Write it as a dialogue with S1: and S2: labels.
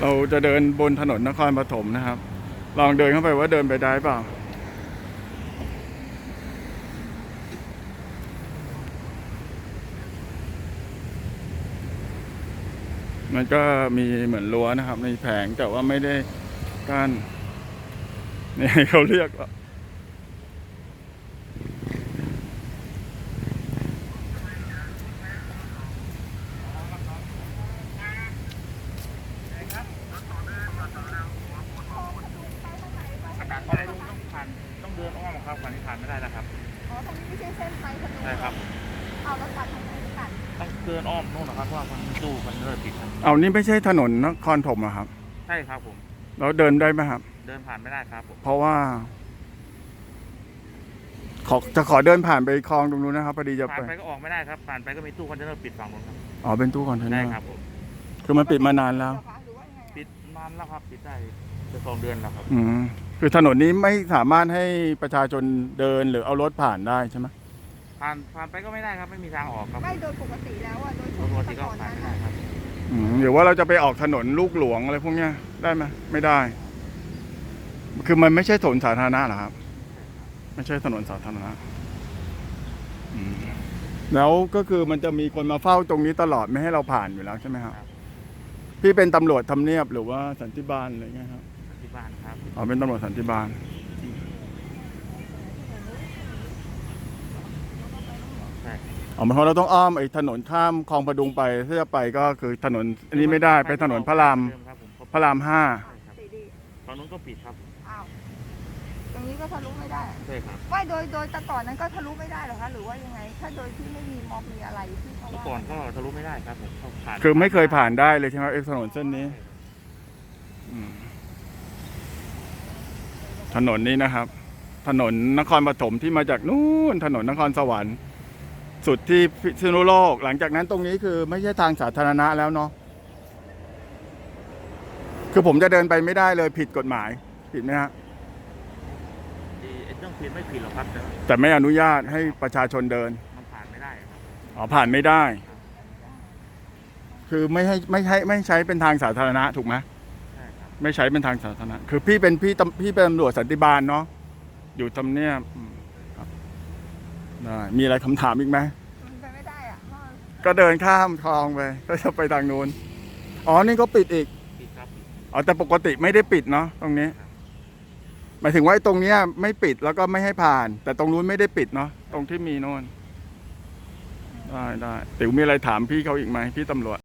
S1: เราจะเดินบนถนนนครปฐมนะครับลองเดินเข้าไปว่าเดินไปได้เปล่ามันก็มีเหมือนรั้วนะครับมีแผงแต่ว่าไม่ได้กั้นนี่เขาเรียกว่า
S2: ต้องเดินอ้อมครับผ่านที่ผ่านไม่ได้นะครับ
S3: อ๋อตรงนี้ไม่ใช่เส้นไฟถนน
S2: ใช่ครับ
S3: เอารถตัดทางไหนตัด
S2: ต้องเดินอ้อมนู่นนะครับเพราะว่ามันตู้มันเริ่มปิดครับ
S1: เอานี่ไม่ใช่ถนนนครปฐมอะครับ
S2: ใช่ครับผม
S1: เราเดินได้ไหมครับ
S2: เดินผ่านไม่ได้ครับผม
S1: เพราะว่าขอเดินผ่านไปคลองตรงนู้นนะครับพอดีจะ
S2: ผ่านไปก็ออกไม่ได้ครับผ่านไปก็มีตู้คอนเทนเนอร์ปิดฝั่งนู้นครับ
S1: อ๋อเป็นตู้คอนเทนเนอ
S2: ใช่
S1: ร์
S2: ครับผม
S1: คือมันปิดมานานแล้ว
S2: ปิดนานแล้วครับปิดได้จะ2 เดือนแล้วครับ
S1: คือถนนนี้ไม่สามารถให้ประชาชนเดินหรือเอารถผ่านได้ใช่ไหม
S2: ผ่านไปก็ไม่ได้ครับไม่มีทางออกครับ
S3: ไม่โดยปกติแล้วอะโดย
S2: ปกติก็ผ่านไม่ได้ครับ
S1: หรือว่าเราจะไปออกถนนลูกหลวงอะไรพวกเนี้ยได้ไหมไม่ได้ คือมันไม่ใช่ถนนสาธารณะหรอครับไม่ใช่ถนนสาธารณะแล้วก็คือมันจะมีคนมาเฝ้าตรงนี้ตลอดไม่ให้เราผ่านอยู่แล้วใช่ไหมครับพี่เป็นตำรวจทำเนียบหรือว่าสันติบาลอะไรเงี้ยครับ
S2: สันติบาลครับ
S1: อ๋อเป็นตำรวจสันติบาล
S2: ใช่
S1: อ๋อเพราะเราต้องอ้อมไอ้ถนนข้ามคลองประดุงไปถ้าจะไปก็คือถนนอันนี้ไม่ได้ไปถนนพระราม5
S2: ตอนนู้นก็ปิดครับ
S3: อ้าวตรงนี้ก็ทะลุไม่ได้
S2: ใช่ครับ
S3: ไม่โดยแต่ก่อนนั้นก็ทะลุไม่ได้หรอคะหรือว่ายังไงถ้าโดยที่ไม่มีม็อบมีอะไรที่เขาว่า
S2: ก่อนก็ทะลุไม่ได้ครับผมผ่าน
S1: คือไม่เคยผ่านได้เลยใช่ไหมถนนเส้นนี้ถนนนี้นะครับถนนนครปฐมที่มาจากนู่นถนนนครสวรรค์สุดที่พิษณุโลกหลังจากนั้นตรงนี้คือไม่ใช่ทางสาธารณะแล้วเนาะคือผมจะเดินไปไม่ได้เลยผิดกฎหมายผิดไหมฮะ
S2: เรื่องผิดไม่ผิดหรอกครับ
S1: แต่ไม่อนุญาตให้ประชาชนเดิน
S2: มันผ่านไม่ได้
S1: อ๋อผ่านไม่ได้คือไม่ใช้เป็นทางสาธารณะถูกไหม
S2: ใช่ครับ
S1: ไม่ใช้เป็นทางสาธารณะคือพี่เป็นตำรวจสันติบาลเนาะอยู่ทำเนียบได้มีอะไรคำถามอีกไหม
S3: มันไปไม่ได้อะ
S1: ก็เดินข้ามคลองไปก็จะไปทางนู้นอ๋อนี่ก็ปิดอีก
S2: ปิดครับ
S1: อ๋อแต่ปกติไม่ได้ปิดเนาะตรงนี้หมายถึงว่าตรงเนี้ยไม่ปิดแล้วก็ไม่ให้ผ่านแต่ตรงนู้นไม่ได้ปิดเนาะตรงที่มีโน่นได้ติ๋วมีอะไรถามพี่เขาอีกไหมพี่ตำรวจ